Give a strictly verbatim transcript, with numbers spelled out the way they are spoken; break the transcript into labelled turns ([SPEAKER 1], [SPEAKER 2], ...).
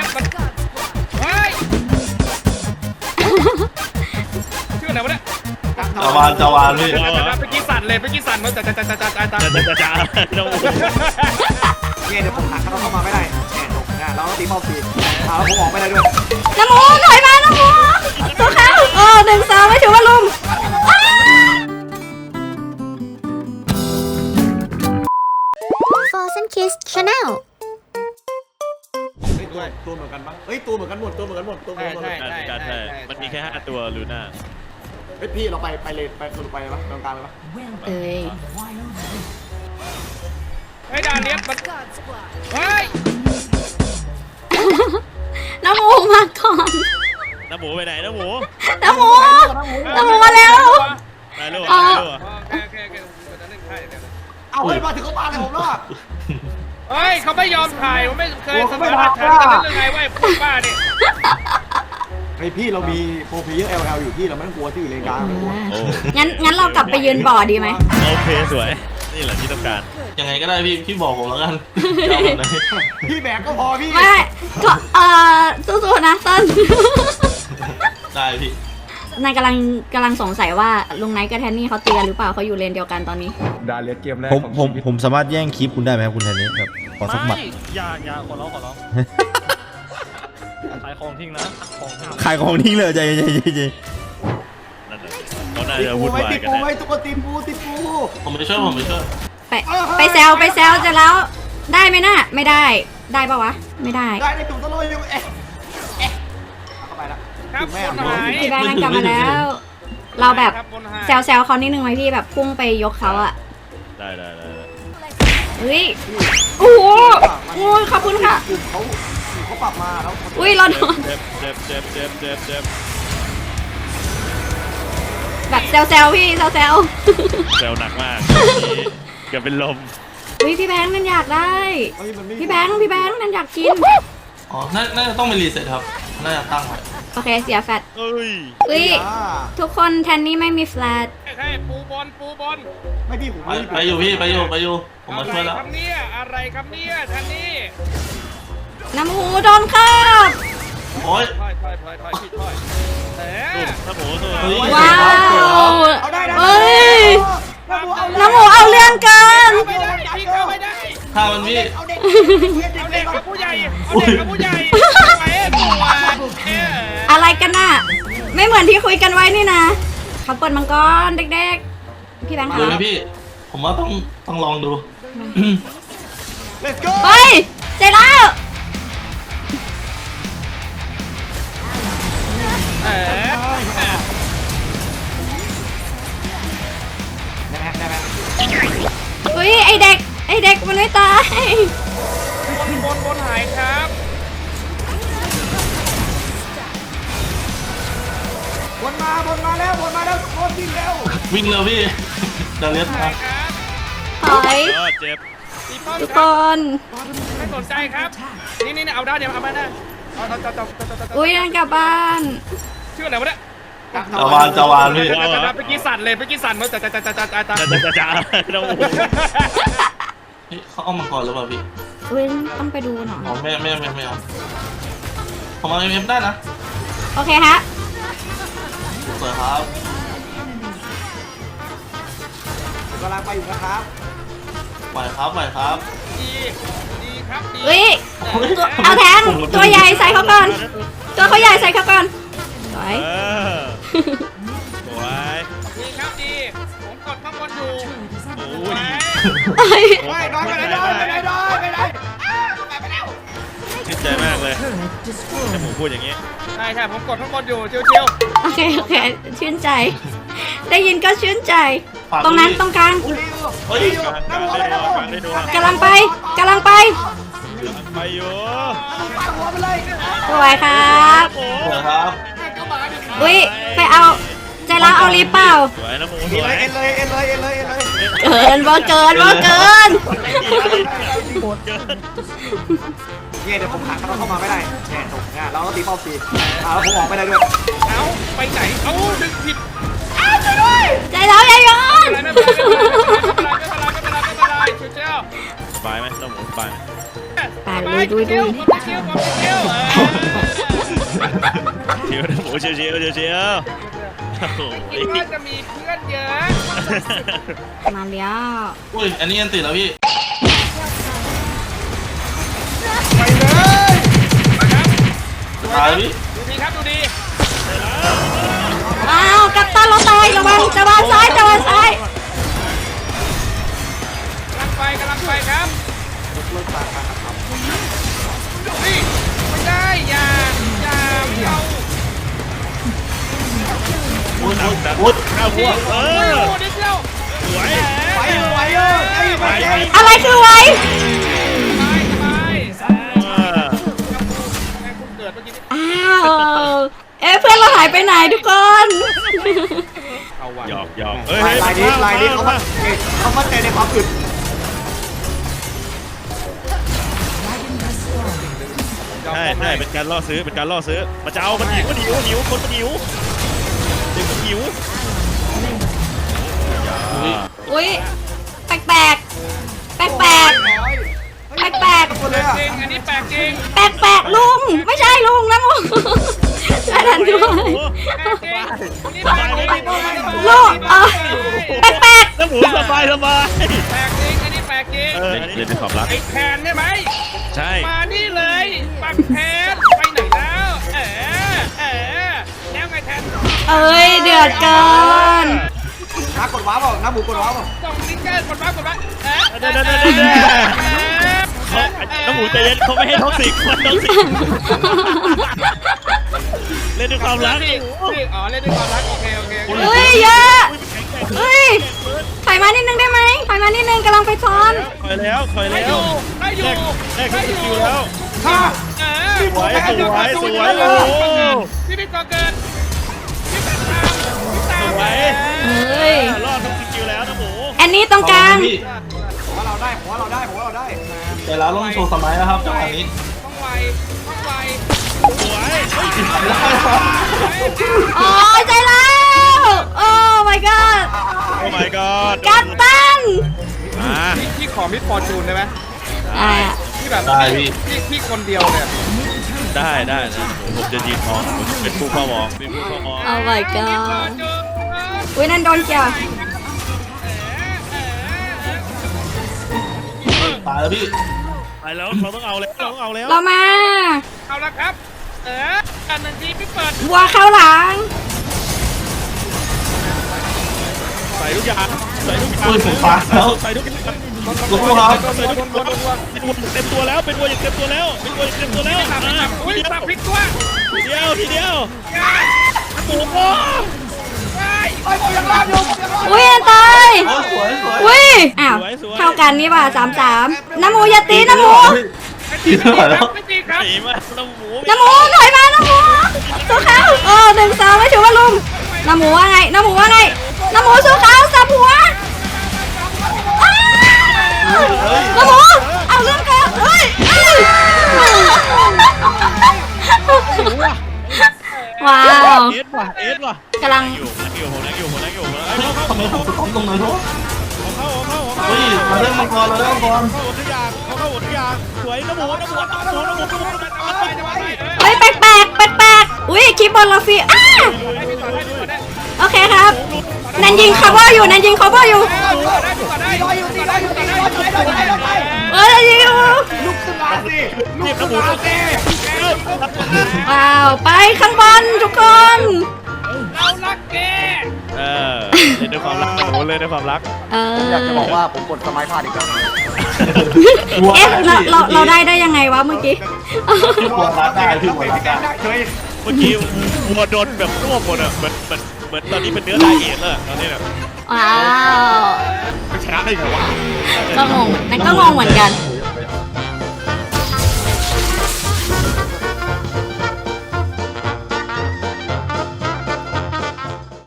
[SPEAKER 1] มันเฮ้ยชื่ออะไรวะเนี่ย
[SPEAKER 2] จาวานจาวานพี่
[SPEAKER 1] ไปกี้สั่นเลยไปกี้สั่นมันจะจะจะจะจะจะจะ
[SPEAKER 3] จะจะจะน้ำหมู
[SPEAKER 4] เนี่ยเดี๋ยวผมหักเขาเข้ามาไม่ได้เนี่ยตรงนี้เราต้องตีเป้าปีเอาแล้วผมออกไม่ได้ด้วย
[SPEAKER 5] น้ำหมูถอยมาน้ำหมูตัวเขาโอ้หนึ่งสองไม่ถือว่าลุม
[SPEAKER 6] Frozen Kiss Channel
[SPEAKER 4] ตัวตัวเหมือนกันปะเฮ้ยตัวเหมือนกันหมดตัวเหมือนกันหมดตัวเหมือนกันหมด
[SPEAKER 3] ใช่ใช่มันมีแค่ห้าตัวลูน่า
[SPEAKER 4] เฮ้ยพี่เราไปไปเลยไปสรุปไปเลยปะตรงกลางเลยปะ
[SPEAKER 5] เอ้ย
[SPEAKER 1] ไอ้ดาเลียสมันเฮ้ย
[SPEAKER 5] น้ำหมูมาก่อน
[SPEAKER 3] น้ำหมูไปไหนน้ำหมู
[SPEAKER 5] น้ำหมูน้ำหมูมาแล้ว
[SPEAKER 3] ไปลูกไปลูก
[SPEAKER 1] โอเคโอเคโอเคจะเล่นไพ่เดี๋ยว
[SPEAKER 4] เอาเฮ้ยมาถึงเขาปาเลยผมรอด
[SPEAKER 1] เฮ้ยเขาไม่ยอมถ่ายผมไม่เคยเสนอหลักฐานกันเรื่องไงว่าพูดบ้าเนี่ย
[SPEAKER 4] เฮ้ยพี่เรามีโปรเพเยอร์ แอล แอล อยู่พี่เราไม่ต้องกลัวที่อยู่เลนกลางไม่ต้องกลัว
[SPEAKER 5] งั้นงั้นเรากลับไปยืนบ่อดีไหม
[SPEAKER 3] โอเคสวยนี่แหละที่ต้องการ
[SPEAKER 2] ยังไงก็ได้พี่พี่บอกผมแล้วกันจะเอาแบบไหน
[SPEAKER 4] พี่แบกก็พอพี่
[SPEAKER 5] ไม่ก็เอ่อสู้ๆนะเต้น
[SPEAKER 2] ได้พี่
[SPEAKER 5] นายกำลังกำลังสงสัยว่าลุงไนท์กับแทนนี่เขาตีกันหรือเปล่าเขาอยู่เลนเดียวกันตอนนี้
[SPEAKER 4] ดาเลียสเกมแรก
[SPEAKER 7] ผมผมผมสามารถแย่งคลิปคุณได้ไหมครับคุณแทนนี่ครับขอสักหมัด
[SPEAKER 3] อย่าอย่าขอร้องขอร้องขายของทิ้งนะของทิ้ง
[SPEAKER 7] ขายของทิ้งเลยใจใจใจใจ
[SPEAKER 3] นั่นแหละเขาน่า
[SPEAKER 4] ติด
[SPEAKER 3] จะ
[SPEAKER 4] ปู
[SPEAKER 3] วุ่น
[SPEAKER 4] ไว้
[SPEAKER 3] วาย
[SPEAKER 4] ติด
[SPEAKER 3] กัน
[SPEAKER 4] ปู
[SPEAKER 3] นะ
[SPEAKER 4] ไว้ตุ๊กตีนปูติดปู
[SPEAKER 2] ผมไปช่วยผมไปช่วย
[SPEAKER 5] ไปไปแซวไปแซวจะแล้วได้ไหมน่ะไม่ได้ได้ปะวะไม่ได้
[SPEAKER 4] ได้ในตุ่มตะลุยอยู่เอ๊ะเอ๊ะเข้าไปละ
[SPEAKER 1] ครับ
[SPEAKER 4] แม่
[SPEAKER 1] คนหาย
[SPEAKER 5] พี่แบงค์กลับมาแล้ว เราแบบแซวแซวเขานิดนึงไหมพี่แบบพุ่งไปยกเขาอะ
[SPEAKER 3] ได้ได้ได้
[SPEAKER 5] เฮ้ยโอ้โหโอ้ยขอบคุณค่ะ
[SPEAKER 4] กลุ่มเขากลุ่มเขาปรับมาแล้ว
[SPEAKER 5] อุ้ยเราโดน
[SPEAKER 3] เจ็บเจ็บเจ็บเจ็บเจ็บเจ็บ
[SPEAKER 5] แบบแซวแซวพี่แซวแซว
[SPEAKER 3] เซลหนักมากเกือบเป็นลม
[SPEAKER 5] อุ้ยพี่แบงค์นั่นอยากได้
[SPEAKER 4] เฮ้ยมันไม่
[SPEAKER 5] พี่แบงค์พี่แบงค์นั่นอยากกิน
[SPEAKER 2] อ๋อน่าน่าจะต้องไปรีเซ็ตครับน่าจะตั้งไว้
[SPEAKER 5] โอเคเสียแฟต
[SPEAKER 3] เอ้ย
[SPEAKER 5] อุ้ย
[SPEAKER 4] อ่า
[SPEAKER 5] ทุกคนแทนนี่ไม่มีแฟลต
[SPEAKER 1] ใช่ปูบอลปูบอล
[SPEAKER 4] ไม่พี่ผม
[SPEAKER 2] ไปไปอยู่พี่ไปอยู่ไปอยู่ผมมาช่วยแล้ว
[SPEAKER 1] อะไรครับเนี่ยอะไรครับเนี่ยท่านนี่
[SPEAKER 5] น้ำหูโดนคาบ
[SPEAKER 2] โอ้ย
[SPEAKER 1] ถอยถอยถอยถอยพี่ถอยเออ
[SPEAKER 3] น้ำหมูตัว
[SPEAKER 2] เฮ้ย
[SPEAKER 5] ว้าว
[SPEAKER 4] เอาได้ได้
[SPEAKER 5] เอ้ย
[SPEAKER 4] เอาเลย
[SPEAKER 5] น้ำหูเอาเรื่องเกิน
[SPEAKER 1] ไม่ได้พี่เข้าไม่ได้
[SPEAKER 2] ถ้ามันพี่
[SPEAKER 4] เอาเด็ก
[SPEAKER 1] เอาเด็กกับผู้ใหญ่เอาเด็กกับผู้ใหญ่ไปตัวเออ
[SPEAKER 5] อะไรกันน่ะ ไม่เหมือนที่คุยกันไว้นี่นะเขาเปิดมังกรเด็กๆ พี่แบงค์
[SPEAKER 2] ดู
[SPEAKER 5] คะ
[SPEAKER 2] ไหมพี่ ผมว่าต้องต้องลองดู
[SPEAKER 4] เลสโก้
[SPEAKER 5] เฮ้ยเสร็จแล้ว
[SPEAKER 1] เออ
[SPEAKER 4] ได้ไหมได้ไหม
[SPEAKER 5] อุ้ยไอเด็กไอเด็กมันไม่ตาย
[SPEAKER 1] บนบนบนหายครับ
[SPEAKER 4] บนมาบนมาแล้วบนมาแล้วโคตรวิ่งเร็ว
[SPEAKER 2] วิ่งเร็วพี่ดาเลียส
[SPEAKER 1] หา
[SPEAKER 2] นะ
[SPEAKER 1] ยครับ
[SPEAKER 5] ถอย
[SPEAKER 3] ก็เจ็บ
[SPEAKER 1] ตีป้อม
[SPEAKER 5] ทุก
[SPEAKER 1] ค
[SPEAKER 5] ครับ น
[SPEAKER 1] ไม่สนใจครับ นี่นี่เอาได้เดี๋ยวเอาไปได้เอาเอาเอาเอา
[SPEAKER 5] อุ้ยนั่นกลับบ้าน
[SPEAKER 1] ชื่ออะไรวะเนี่ย
[SPEAKER 2] จาวานจาวานพี่
[SPEAKER 1] ไปกี้สั่นเลยไปกี้สั่นมันจะจะจะจะจะจะ
[SPEAKER 3] จะจะจะจะน้ำหมู
[SPEAKER 2] เฮ้ยเขาเอามังกรหรือเปล่าพี่
[SPEAKER 5] อุ้ยต้องไปดูหน่อย
[SPEAKER 2] อ๋อไม่ไม่ไม่ไม่เอาผมเอาเอ็มได้นะ
[SPEAKER 5] โอเคฮะ
[SPEAKER 2] สวยครับ
[SPEAKER 4] กำลังไปอยู่นะครับ
[SPEAKER 2] ไหวครับไหวครับ
[SPEAKER 1] ดีดีครับดี
[SPEAKER 5] อุ้ยตัวเอาแทงตัวใหญ่ใส่เขาก่อน ตัวเขาใหญ่ใส่เขาก่อนสวย
[SPEAKER 3] เออสวย
[SPEAKER 1] ดีครับดีผมกดข้างบนอยู่
[SPEAKER 3] โอ้ย
[SPEAKER 5] เอ้ย
[SPEAKER 4] ไม่น้อยไปไหนน้อยไปไหนน้อยไปไหน
[SPEAKER 3] ชื่นใจมากเลยน้ำหมูพูดอย่างนี้
[SPEAKER 1] ใช่ใช่ผมกดข้างบนอยู่เชียวเชียว
[SPEAKER 5] โอเคโอเคชื่นใจ ได้ยินก็ชื่นใจ
[SPEAKER 2] ฝาก
[SPEAKER 5] ตรงนั้น
[SPEAKER 2] ด้วย
[SPEAKER 5] ตรงกลาง
[SPEAKER 2] เฮ้ย
[SPEAKER 3] กลางกลางได้ดูกลางได้ดู
[SPEAKER 5] กำลังไปกำลังไป
[SPEAKER 3] ไปอยู่
[SPEAKER 4] หัวไปเลย
[SPEAKER 5] สวยครับ
[SPEAKER 3] โอ้
[SPEAKER 2] สวยครับ
[SPEAKER 5] อุ้ยไปเอาใจร้าวเอาลิปเปล่า
[SPEAKER 3] สวยน้ำหมูส
[SPEAKER 4] เอ็น
[SPEAKER 3] ว
[SPEAKER 4] เลย ยเอ็นเลยเอ็นเลยเอ็นเลยเอ็นเลย
[SPEAKER 5] เกินบ่เกินบ่เกิน
[SPEAKER 4] เนี่ยเดี๋ยวผมหักเขาเข้ามาไม่ได้เนี่ยตรงนี้เราต้องตีเป้าปีเอาแล้วผมออกไม่ได้ด้วย
[SPEAKER 1] เอาไปไหนเอาดึงผิด
[SPEAKER 5] ใจร้าวอย่าโยน
[SPEAKER 1] ไม่เป็นไรไม่เป็นไรไม่เป็นไรไม่เป็นไรไม่เป็นไรเชียวเชียว
[SPEAKER 3] สบายไหมน้ำหมูสบายไหม
[SPEAKER 5] ไปลุยลุยลุย
[SPEAKER 1] เชียวเชียวเชียว
[SPEAKER 3] ชิวชิวชิวชิวโอ้โห
[SPEAKER 1] คิดว่าจะมีเพื่อนเยอะ
[SPEAKER 5] มาเลี้ยว
[SPEAKER 2] อุ้ยอันนี้อันติดแล้วพี่
[SPEAKER 1] ไปเลยมาครับ
[SPEAKER 2] ตายพี่
[SPEAKER 1] ดูดีครับดูดี
[SPEAKER 5] อ้าวกัปตันเราตายระวังจะวางซ้ายจะวางซ้าย
[SPEAKER 1] กำลังไปกำลังไปครับ
[SPEAKER 4] เลิกตาการทำ
[SPEAKER 1] นี่ไม่ได้อย่าอย่าไม่เอา
[SPEAKER 2] อุ้ยอุ้ย
[SPEAKER 3] แต่
[SPEAKER 2] อุ้ย
[SPEAKER 3] ข้าวพวกเอ
[SPEAKER 1] โอ้ย
[SPEAKER 3] อ
[SPEAKER 1] โอ้ยนิดเดียว
[SPEAKER 3] สวย
[SPEAKER 4] ไปเออไปเออไอ้ไปไอ้
[SPEAKER 5] อะไรคือไว้
[SPEAKER 1] สบายสบาย
[SPEAKER 3] เออ
[SPEAKER 1] แม่คุณเกิดเมื่อกี้นี้
[SPEAKER 5] อ้าวเอ๊ะเพื่อนเราหายไปไหนทุกคน
[SPEAKER 1] เอาวัน
[SPEAKER 3] หยอกหยอกเฮ้ย
[SPEAKER 4] ลายลายนี้ลายนี้เขามาเขามาใจในความอึด
[SPEAKER 3] ใช่ใช่เป็นการล่อซื้อเป็นการล่อซื้อมันจะเอามันหิวมันหิวหิวคนมันหิวเด็กมันหิว
[SPEAKER 5] อุ้ยแปลกแปลกแปลกแปลกแปลกแปลก
[SPEAKER 4] คนเลยอ่ะ
[SPEAKER 1] จริงอันนี้แปลกจริง
[SPEAKER 5] แปลกแปลกลุงไม่ใช่ลุงนะมึงไม่ทันด้วย
[SPEAKER 1] แปลกจริงอันนี้แปลกจริง
[SPEAKER 5] ลูกเออแปลกแปลก
[SPEAKER 3] แล้วหมูสบายสบาย
[SPEAKER 1] แปลกจริงอันนี้แปลกจริง
[SPEAKER 3] เอออันนี้เรียนเป็นความรัก
[SPEAKER 1] ไอ้แทนใช่ไหม
[SPEAKER 3] ใช่
[SPEAKER 1] มานี่เลยปักแทนไปไหนแล้วเอ๋เอ๋แล้วไงแทน
[SPEAKER 5] เอ้ยเดือดเกิน
[SPEAKER 4] น้ากดว้าเปล่าน้าหมูกดว้าเปล่า
[SPEAKER 1] ส่งลิงเกอร์กดมากดมาเอ๋
[SPEAKER 3] เดี๋ยวเดี๋ยวเดี๋ยวเดี๋ยวเขาน้ำหมูใจเย็นเขาไม่ให้ท็อกซิกคนท็อกซิกเล่นด้วยความรัก
[SPEAKER 1] นี่นี่อ๋อเล่นด้วยความรักโอเคโอเค
[SPEAKER 5] เฮ้ยเยอะเฮ้ยถอยมานิดนึงได้ไหมถอยมานิดนึงกำลังไปซ้อน
[SPEAKER 3] คอยแล้วคอย
[SPEAKER 1] ได้
[SPEAKER 3] แล้
[SPEAKER 1] อ
[SPEAKER 3] ว
[SPEAKER 1] ยู่ได้อยู่
[SPEAKER 3] แรกแรกสกิลแล้ว
[SPEAKER 4] ฮ่า
[SPEAKER 1] เอ๋
[SPEAKER 3] สวยสวยสวยโอ้
[SPEAKER 1] พี่พี่ก่อเกิดพี่เป็นตามพี่ตาม
[SPEAKER 3] สวย
[SPEAKER 5] เฮ้ย
[SPEAKER 3] รอดทุกสกิลแล้วนะหมู
[SPEAKER 5] แอนนี่ตรงกลาง
[SPEAKER 2] พี่
[SPEAKER 4] ผมว่าเราได้ผมว่าเราได้ผมว่าเราได้
[SPEAKER 2] แต่แล้วลงโชว์สมัยแล้วครับจังหวะนี้
[SPEAKER 1] ต้องไวต้องไว
[SPEAKER 3] สวย
[SPEAKER 5] โอ้ยใจแล้ว โอ้ my god
[SPEAKER 3] โอ้ my god
[SPEAKER 5] กัปตัน
[SPEAKER 3] อ่า
[SPEAKER 1] พี่พี่ขอมิดฟอร์จูนได้ไหม
[SPEAKER 5] อ่า
[SPEAKER 1] พี่แบบ
[SPEAKER 2] ได้พี่
[SPEAKER 1] พี่พี่คนเดียวเนี่ย
[SPEAKER 3] ได้ได้นะผมจะยืนมองผมเป็นผู้เฝ้ามองเป็นผู้เฝ้ามอง
[SPEAKER 5] โอ้ my
[SPEAKER 1] ฟอ
[SPEAKER 5] god
[SPEAKER 1] ร์จูน
[SPEAKER 5] อุ้ยนั่นโดนเกี่ยว
[SPEAKER 2] ตายแล้วพี่
[SPEAKER 3] ไปแล้วเราต้องเอาแล้วเราต้องเอาแล้ว
[SPEAKER 5] เรามา
[SPEAKER 1] เอาละครับ เอออันหนึ่งทีพี่เปิด
[SPEAKER 5] วัวเข้าหลัง
[SPEAKER 3] ใส่ทุกอย่างใส่ทุกอย่าง
[SPEAKER 2] อุ้ยผมฟ้าแล้ว
[SPEAKER 3] ใส่ทุกอย่าง
[SPEAKER 2] ลูกครับ
[SPEAKER 3] ใส่ทุกอย่างเป็นวัวเต็มตัวแล้วเป็นวัวอย่างเต็มตัวแล้วเป็นวัวอย่างเต็มตัวแล้ว
[SPEAKER 1] สับ
[SPEAKER 3] อ่า
[SPEAKER 1] สับ
[SPEAKER 3] ที
[SPEAKER 1] อุ้ย
[SPEAKER 3] เดียว
[SPEAKER 1] สับพลิกตัว
[SPEAKER 3] ทีเดียวทีเดียว
[SPEAKER 1] ยา
[SPEAKER 3] หมูโอ้
[SPEAKER 1] ไป
[SPEAKER 4] ไอ้ผมยังรอดอยู่ผมยังรอด
[SPEAKER 5] อุ้ยอันตาย
[SPEAKER 2] โอ้ยสวยสวย
[SPEAKER 5] อุ้ย อ้าว เท่ากันนี่ป่ะสามสามน้ำหมูอย่าตีน้ำหมู
[SPEAKER 1] ไม่ตีไม่ตีครับไม่ตีครับ
[SPEAKER 3] หนีมาแล้วหมู
[SPEAKER 5] น้ำหมูถอยมาน้ำหมูสู้เขาโอ้หนึ่งสองไม่ถือว่าลุมน้ำหมูว่าไงน้ำหมูว่าไงน้ำหมูสู้เขาสับหัวอ้าวน้ำหมูเอาเรื่องเกินเฮ้ยเฮ้ยว้าว
[SPEAKER 3] เอสว่ะเอสว่ะ
[SPEAKER 5] กำลัง
[SPEAKER 3] อยู่นักอยู่ผมนักอยู่ผมนักอยู่ผมนัก
[SPEAKER 2] เฮ้ย
[SPEAKER 3] เข้า
[SPEAKER 2] ทำไมผมสะท้อนตรงไหนทุก
[SPEAKER 3] เข้าเข้าเข้า
[SPEAKER 2] เฮ้ยมาเล่นมังกรเราเล่นมังกร
[SPEAKER 3] เข้าหมดทุกอย่างเข้าเข้าหมดทุกอย่างสวยน้ำหมูน้ำหมูน้ำหมูน้ำหมูน้ำหมูน้ำหมู
[SPEAKER 5] เฮ้ยแปลกแปลกแปลกแปลกอุ้ยคลิปบอลเราฟรีอ้าโอเคครับนันยิงคัฟเวอร์อยู่นันยิงคัฟเวอร์อยู่
[SPEAKER 1] ได้ได้ได้
[SPEAKER 4] รออยู่ตีรออยู่ตีรออยู่ตีรออยู่ตีรออยู่
[SPEAKER 5] เอ้ยนันยิงอยู่
[SPEAKER 4] ลุกขึ้นมาสิลุก
[SPEAKER 3] น้ำห
[SPEAKER 4] ขึ้
[SPEAKER 3] มู
[SPEAKER 4] นมา
[SPEAKER 3] น้ำหมู
[SPEAKER 4] สิ
[SPEAKER 5] ว้าวไปข้างบนทุกคน
[SPEAKER 1] เรารักแก
[SPEAKER 3] เออเล่นด้วยความรักหมูเล่นด้วยความรัก
[SPEAKER 5] เออ
[SPEAKER 4] อยากจะบอกว่าผมกดสมัยพลาดอีกแล้ว
[SPEAKER 5] เอ๊ะเราเราเราได้ได้ยังไงวะเมื่อกี้
[SPEAKER 2] พี่บัวรัดได้พี่บัวรัดได้
[SPEAKER 4] เฮ้ย
[SPEAKER 3] เมื่อกี้วัวโดนแบบรวบหมดอ่ะเหมือนเหมือนเหมือนตอนนี้เป็นเนื้อไดเอทแล้วตอนนี้แบบ
[SPEAKER 5] ว้าว
[SPEAKER 4] ชนะได้ไงวะ
[SPEAKER 5] ก็งงนั่นก็งงเหมือนกัน